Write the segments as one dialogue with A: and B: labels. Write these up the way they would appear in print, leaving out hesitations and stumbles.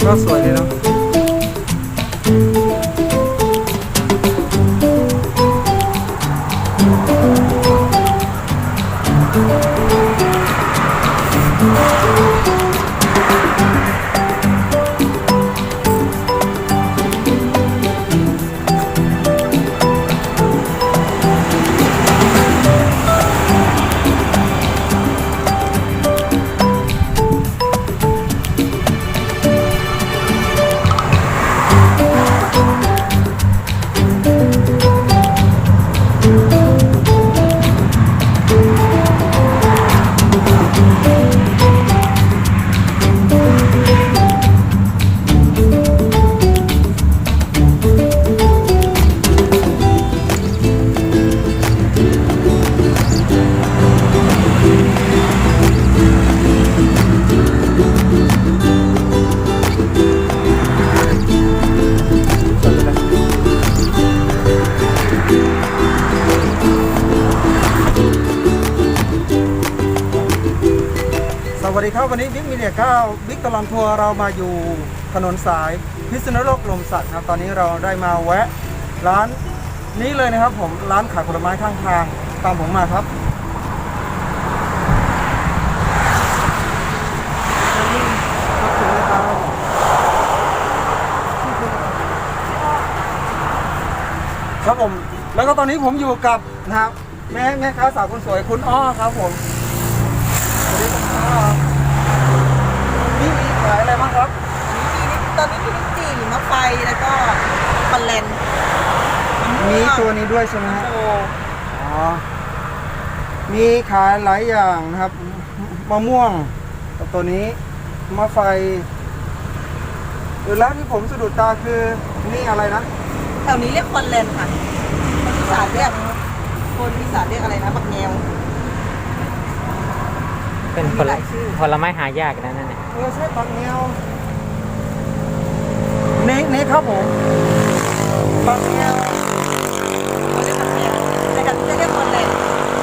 A: ก็สวยเลยเนาะสวัสดีครับวันนี้บิ๊กมีเดีย9บิ๊กตลอดทัวร์เรามาอยู่ถนนสายพิษณุโลกลมสักครับตอนนี้เราได้มาแวะร้านนี้เลยนะครับผมร้านขายผลไม้ข้างทางตามผมมาครับครับผมแล้วก็ตอนนี้ผมอยู่กับนะครับแม่ค้าสาวคนสวยคุณอ้อครับผมสวัสดีครับนี่มีขายอะไรบ้างครับ
B: ตอนนี้มีลิ้นจี่มะไฟแล้วก็คอนแลน
A: มีตัวนี้ด้วยใช่ไหมฮะ
B: โอ้
A: อ๋อมีขายหลายอย่างนะครับมะม่วงกับตัวนี้มะไฟแล้วที่ผมสะดุดตาคือนี่อะไรนะ
B: แถวนี้เรียกคอนแลนค่ะคนอีสานเรียกอะไรนะบักแงว
C: เป็นผลไม้หายากนะนั่นเนี่ย
A: ใช่ปักแนวนี่ครับผมปักแนว
B: เรียกบักแงวแต่กันจะเรียกคอนแลน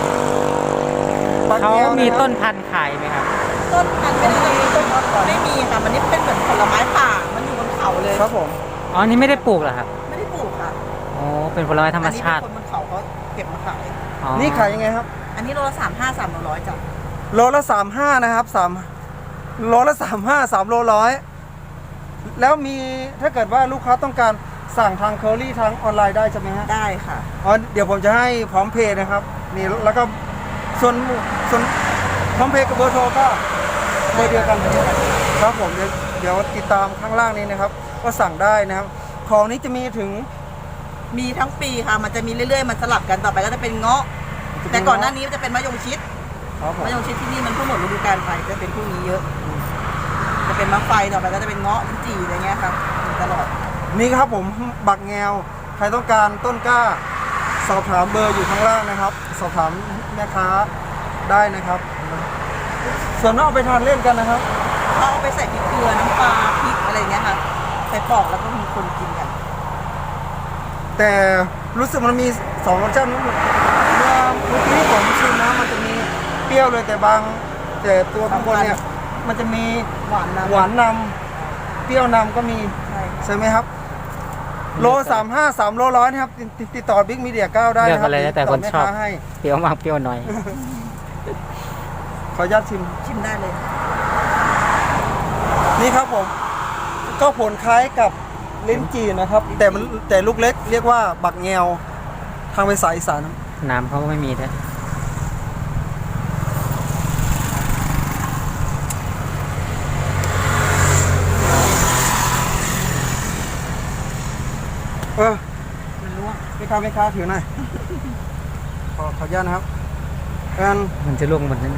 C: เขามีต้นพันธุ์ขายไหมครับ
B: ต้นพันธุ์ไม่มีค่ะมันนี่เป็นเหมือนผลไม้ป่ามันอยู่บนเขาเลย
A: ครับผม
C: อ๋อนี่ไม่ได้ปลูกเหรอครับ
B: ไม่ได้ปลูกค่ะ
C: อ๋อเป็นผลไม้ธรรมชาติ
B: คนบนเขาเขาเก็บมาขาย
A: นี่ขายยังไงครับ
B: อันนี้โลละ35 300จ้ะ
A: โลละ35นะครับ3โลละ35 3โล100แล้วมีถ้าเกิดว่าลูกค้าต้องการสั่งทางเคอรี่ทางออนไลน์ได้ใช่ไหมฮะ
B: ได้ค่ะ
A: อ๋อเดี๋ยวผมจะให้พร้อมเพย์นะครับนี่แล้วก็ส่วนพร้อมเพย์กับเบอร์โทรก็เบอร์เดียวกันครับผมเดี๋ยวติดตามข้างล่างนี้นะครับก็สั่งได้นะครับของนี้จะมีถึง
B: มีทั้งปีค่ะมันจะมีเรื่อยๆมันสลับกันต่อไปก็จะเป็นเงาะแต่ก่อนหน้านี้จะเป็นมะยงชิดมะยงชิดที่นี่มันเพิ่งหมดฤดูกาลไปจะเป็นพวกนี้เยอะจะเป็นมะไฟต่อไปก็จะเป็นเงาะลิ้นจี่อะไรเงี้ยครับตลอด
A: นี่ครับผมบักแงวใครต้องการต้นกล้าสอบถามเบอร์อยู่ข้างล่างนะครับสอบถามแม่ค้าได้นะครับส่วนนอกไปทานเล่นกันนะครับ
B: เขาเอาไปใส่พริกเกลือน้ำปลาพริกอะไรเงี้ยค่ะใส่ปอกแล้วก็มีคนกินกัน
A: แต่รู้สึกมันมี2รสชาติเมื่อกี้ผมชิมนะมันจะมีเปรี้ยวเลยแต่ตัวข้างบนเนี่ยมันจะมีหวานนำเปรี้ยวนำก็มีใช่ไหมครับโล35 3โล100นะครับติดต่อบิ๊กมีเดีย9ได้นะครับ
C: แต่คนชอบเปรี้ยวมากเปรี้ยวน้อย
A: ขออนุญาต
B: ชิมได้เลย
A: นี่ครับผมก็ผลคล้ายกับลิ้นจี่นะครับแต่ลูกเล็กเรียกว่าบักแงวทางภาษาอีสาน
C: น้ำเขาก็ไม่มีด้วย
B: มันร่วง
A: ไม่ค้าถือหน่อยขออนุญาตนะครับ
C: มันจะร่วงหมดนั่น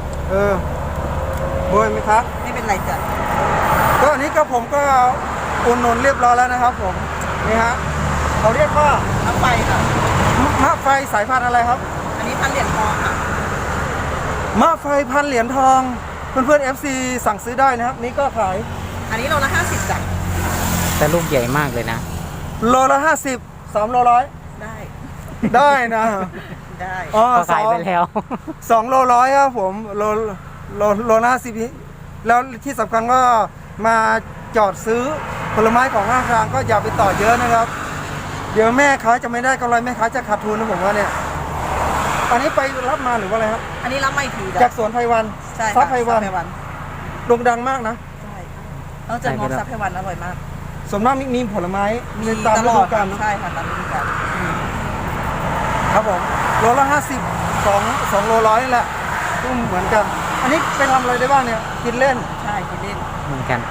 A: โบยไหมครับ
B: ไม่เป็นไรจ้ะ
A: ก็อันนี้ก็ผมก็อุ่นนนเรียบร้อยแล้วนะครับผมนี่ฮะเขาเรียกว่าม
B: ะไฟค่ะ
A: มะไฟสายพันธุ์อะไรครับ
B: อันนี้พันเหรียญทองค่ะ
A: มะไฟพันเหรียญทองเพื่อนFC สั่งซื้อได้นะครับนี่ก็ขาย
B: อันนี้โลละ50จ้ะ
C: แต่ลูกใหญ่มากเลยนะ
A: โลละ50 3โล100ได้นะ
B: ได้
C: อ๋อขายไปแล้ว
A: 2โล100ครับผมโลละ50แล้วที่สำคัญก็มาจอดซื้อผลไม้ของข้างทางก็อย่าไปต่อเยอะนะครับ เดี๋ยวแม่ค้าจะไม่ได้กำไรแม่ค้าจะขาดทุนนะผมว่าเนี่ยอันนี้ไปรับมาหรือว่าอะไรครับ
B: อันนี้รับไม่ที
A: จากสวนไพวัน
B: ใช่
A: ซับไพวัน
B: ไพวัน
A: โด่งดังมากนะ
B: ใช่เราจะงอซับไพวันอร่อยมาก
A: ส่วนมากมีผลไม้
B: มี
A: ในตาม
B: ต
A: ฤ
B: ลอ
A: ดู
B: ด
A: กาลนะ
B: ใช่ค่ะตามฤดูกาล
A: ครับผมโลละ50 2โลร้อยนี่แหละก็เหมือนกัน อันนี้ไปทำอะไรได้บ้างเนี่ยกินเล่น
B: ใช่กินเล่น
C: เหมือนกัน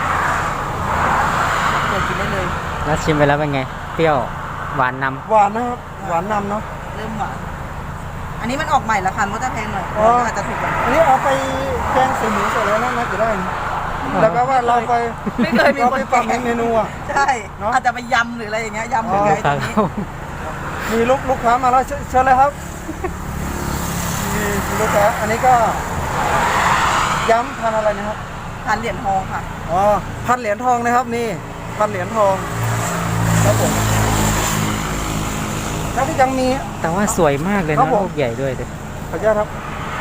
B: เปิดกินได้เลย
C: แล้วชิมไปแล้วเป็นไง เปรี้ยว หวานน
A: หวานนะครับหวานนำเนาะ
B: เริ่มหวานอันนี้มันออกใหม่แล้วค่ะมันก็จะแพงหน่อย
A: อ๋อ
B: อาจจะถูกกว่า
A: อันนี้เอาไปแกงใส่หมูใส่อะไรนั่นนะจะได้แล้วก็ว่าเราไป
B: ไม่เคยมี
A: เรา
B: ค
A: ไป
B: น
A: ปรับ
B: แกง
A: เมนูอ่ะ
B: ใช่
A: เนอะ
B: อาจจะไปยำหรืออะไรอย่างเงี้ยยำหรือ
C: ำ
B: ไงตรงนี้
A: มีลูกค้ามาแล้วเชิญเลยครับมีลูกค้าอันนี้ก็ย้ำพันอะไรนะครับ
B: ทานเหรียญทองค่ะ
A: อ๋อพันเหรียญทองนะครับนี่พันเหรียญทองครับผมแล้วก็ยังมี
C: แต่ว่าสวยมากเลย
A: ครั
C: นะ
A: บผม
C: ลูกใหญ่ด้วยดิ
A: ขออนุญาตครับ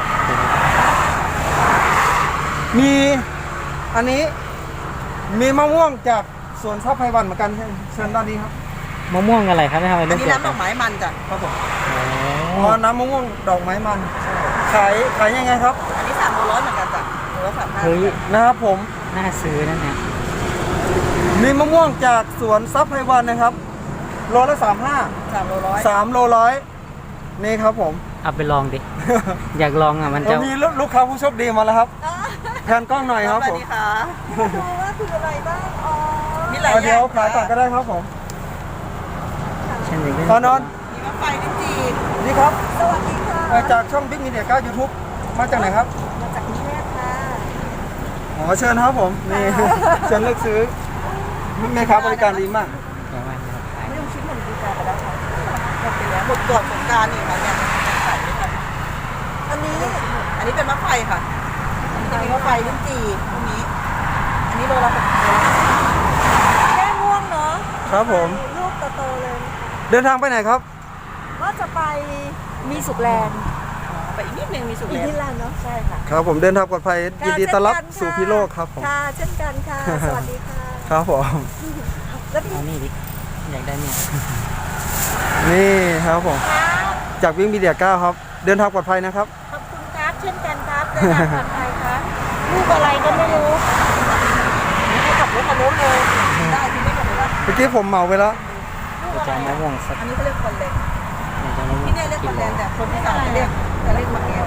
A: มีอันนี้มีมะม่วงจากสวนทรัพย์ไพวันเหมือนกันเชิญด้านนี้ครับ
C: มะม่วงอะไรครับไม่ทำไม
B: อั
C: ลู
B: น
C: ก
B: นี้
C: ใหญ่
B: น้ำดอกไม้มันจ้ะ
A: ครับผม
C: อ๋
A: อ๋อ
C: อ
A: น้ำมะม่วงดอกไม้มันขายยังไงครับ
B: อันนี้300เหมือนกันจ้ะโลละ35
C: เฮ้ย
A: นะครับผม
C: น่าซื้อนั่นเนี่ย
A: มีมะม่วงจากสวนทรัพย์ไพวันนะครับโลละ35
B: 3โลร้อย
A: 3โลร้อยนี่ครับผม
C: เอาไปลองดิ อยากลองอ่ะมันจะ
A: มีลูกค้าผู้โชคดีมาแล้วครับแทนกล้องหน่อยครับ
B: ส
A: ผ
B: วัส
A: ม
B: ดีค่ะดูว่าคืออะไรบ้างอ๋อมีหลาย
A: เอา
B: อ
A: เดี๋
B: ย่าย ง
A: วขายก่อนก็ได้ครับผม
C: เช่นนี้
A: ตอนนอน
B: มีมะไฟลิ้นจี่
A: นี่ครับ
B: สวัสดีค่ะ
A: จากช่อง Big Media 9 YouTube มาจากไหนครับ
B: มาจากกรุงเทพค่ะ
A: อ๋อเชิญครับผมนี่ เชิญเลือกซื้อแม่ค้าบริการดีมาก
C: อย่างว่าจะขาย
B: ไม่ต้องชิ้นหมดดูการไปแล้วค่ะหมดไปแล้วหมดก่อนสงกรานต์นี่ค่ะเนี่ยขายด้วยกันอันนี้เป็นมะไฟค่ะอันนี้จะมีมะไฟลิ้นจี่พวกนี้ อันนี้โลละ60
D: แค่ง่วงเนาะ
A: ครับผม
D: ลูกโตๆเลย
A: เดินทางไปไหนครับ
D: ว่าจะไปมีสุขแลนด์
B: ไปอีกนิดนึงมีสุก
D: อี
B: แล
D: ก
B: น
D: ที่
B: ด์
D: แลนด์เนาะใช่ค่ะ
A: ครับผมเดินทางปลอดภัยยินดีต้อนรับสู่พิโลกครับผม
D: ค่ะ เช่นกันค่ะ สวัสดีค่ะ
A: ครับผม
D: แล้วพี่
C: เอานี่ดิ อยากได้เนี่ย
A: นี่ครับผม
D: ครับ
A: จากวิ่งมีเดีย9ครับ เดินทางปลอดภัยนะครับ
D: ขอบคุณครับ เช่นกันครับเดินทางปลอดภัยครับลูกอะไรก็ไม่รู้
B: ให้ขับรถคันนู้นเลยได้ที่ไม่ขับรถ
A: เมื่อกี้ผมเหมาไปแล้ว
C: จะเอามะม่วงสัก
B: อันนี้เขาเรียกคอนแลน
C: อยากจะมะม่วง
B: ที่เนี่ยเรียกคอนแลนแต่คนที่สั่งจะเรียกมะแก้ว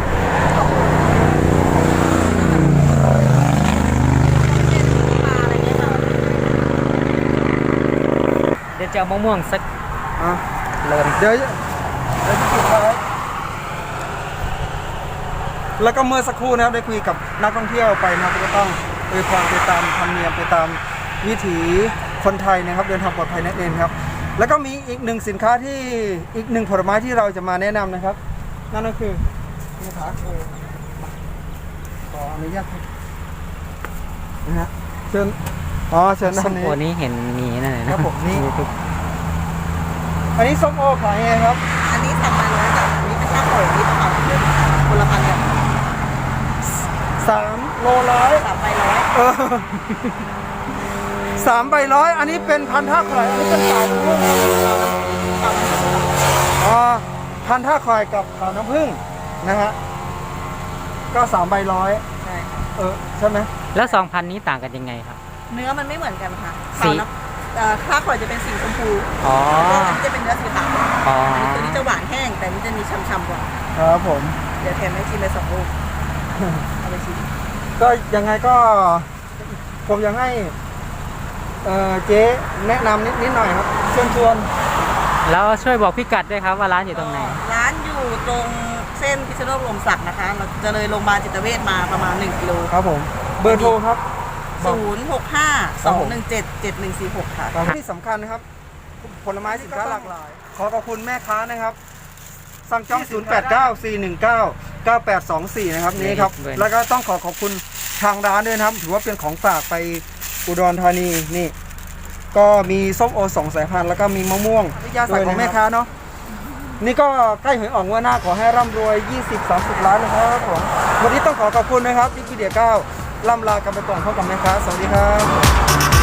C: เดี๋ยวจะเอามะม่วงสัก
A: อ่ะ
C: โลนึง
A: เดี๋ยวสุดท้ายแล้วก็เมื่อสักครู่นะครับได้คุยกับนักท่องเที่ยวไปนะครับก็ต้องอวยพรไปตามธรรมเนียมไปตามวิถีคนไทยนะครับ เดินทางปลอดภัยนั่นเองครับ แล้วก็มีอีกหนึ่งสินค้าที่อีกหนึ่งผลไม้ที่เราจะมาแนะนำนะครับ นั่นก็คือนี่ครับขออนุญาตครับนะฮะเชิญเชิญด้า
C: ส้
A: น
C: ม
A: นี้
C: โอนี้เห็นมีนั่นเลยนะครับ
A: ผมนี่
C: ทุก
A: อันนี้ส้มโอขายยังไงครับ
B: อันนี้สั่งมาร้อยจ้ะอันนี้เป็นข้าวหอยนี่ค่ะคนละพันกัน
A: 3 โลร้อย
B: 3 ใบร้อย
A: 3 ใบร้อยอันนี้เป็นพันท่าข่อยอันนี้เป็นขาวน้ำผึ้งอ๋อพันท่าข่อยกับขาวน้ำผึ้งนะฮะก็3 ใบร้อย
B: ใช่ค่ะ
A: ใช่ไหม
C: แล้ว2,000นี้ต่างกันยังไงครับ
B: เนื้อมันไม่เหมือนกันค่ะ
C: สี
B: ขาวน้ำข้าวหอยจะเป็นสีชมพู
C: อ๋อ
B: อันนี้จะเป็นเนื้อสีขาว
C: อ๋อ
B: อันนี้ตัวนี้จะหวานแห้งแต่อันนี้จะมีช่ำๆกว่า
A: ครับผม
B: เดี๋ยวแถมให้ชิมไป2 ลูกเอาไปชิม
A: ก็ยังไงก็ผมยังให้เจ๊แนะนำนิดหน่อยครับเชิญชวน
C: แล้วช่วยบอกพิกัดด้วยครับว่าร้านอยู่ตรงไหน
B: ร้านอยู่ตรงเส้นพิษณุโลกลมศักดิ์นะคะเราจะเลยโรงพยาบาลจิตเวชมาประมาณ1 กิโล
A: ครับผมเบอร์โทรครับ
B: 065-217-7146 ค่ะ
A: ที่สำคัญนะครับ ผลไม้สินค้าหลากหลาย ขอขอบคุณแม่ค้านะครับ สั่งจอง 0894199824 นะครับนี่ครับ
C: ด้วยนะ
A: แล้วก็ต้องขอบคุณทางร้านด้วยนะครับ ถือว่าเป็นของฝากไปอุดรธานีนี่ ก็มีส้มโอ2 สายพันธุ์แล้วก็มีมะม่วงยาใส่ของแม่ค้าเนาะนี่ก็ใกล้หวยออกงวดหน้าขอให้ร่ำรวย 20-30 ล้านนะครับผมวันนี้ต้องขอบคุณนะครับวิกิเดีย9 ล่ำลากันไปก่อนพบกับแม่ค้าสวัสดีครับ